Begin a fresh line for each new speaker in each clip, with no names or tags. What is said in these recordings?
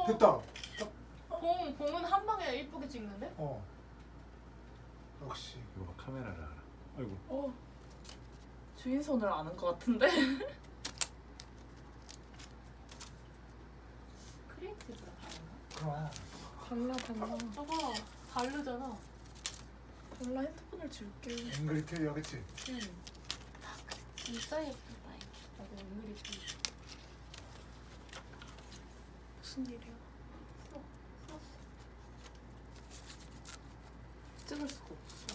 됐다.
봉은 한 방에 예쁘게 찍는데?
역시.
이거 봐, 카메라를 알아. 아이고.
주인 손을 아는 것 같은데.
크리에이티브라
그럼.
달라.
저거 다르잖아.
달라. 핸드폰을 줄게.
앵그리 틀려, 그치?
응. 진짜 예쁘다 이게. 나도 오늘이 좀
무슨 일이야? 찍을 수가 없어.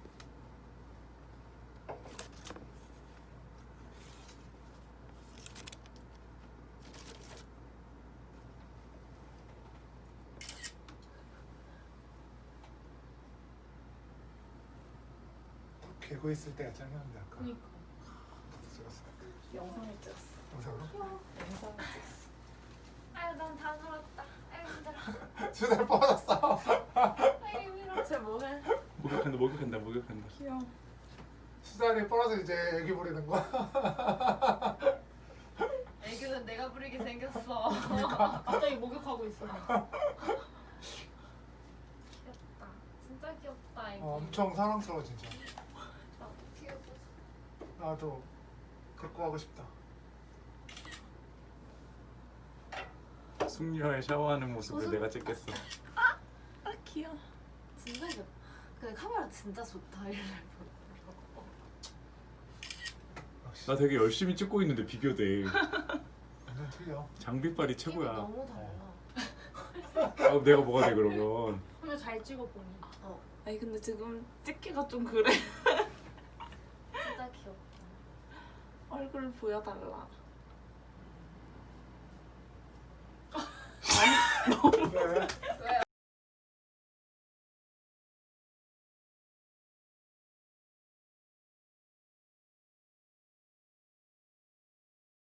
개고 있을 때가 짱이었는데 아까.
그니까.
찍었어.
영상을 찍었어.
영상으로?
영상을 찍었어.
아유 난 다 놀았다. 아유 힘들어.
수달 뻗었어.
아유 힘들어. 쟤 뭐해?
목욕한다.
귀여워.
수달이 뻗어서 이제 애기 부리는 거야.
애교는 내가 부리게 생겼어. 갑자기 목욕하고 있어. 귀엽다. 진짜 귀엽다 애기.
엄청 사랑스러워 진짜.
나도 귀여워.
나도 데리고 가고 싶다.
숙녀의 샤워하는 모습을 내가 찍겠어.
아 귀여워.
진짜 귀엽다. 근데 카메라 진짜 좋다. 이래.
역시
나 되게 열심히 찍고 있는데 비교돼.
완전 틀려.
장비빨이
팀이
최고야.
너무 달라.
아, 내가 뭐가 돼 그러면?
근데 잘 찍어보니.
아니 근데 지금 찍기가 좀 그래.
진짜 귀엽다.
얼굴 보여달라.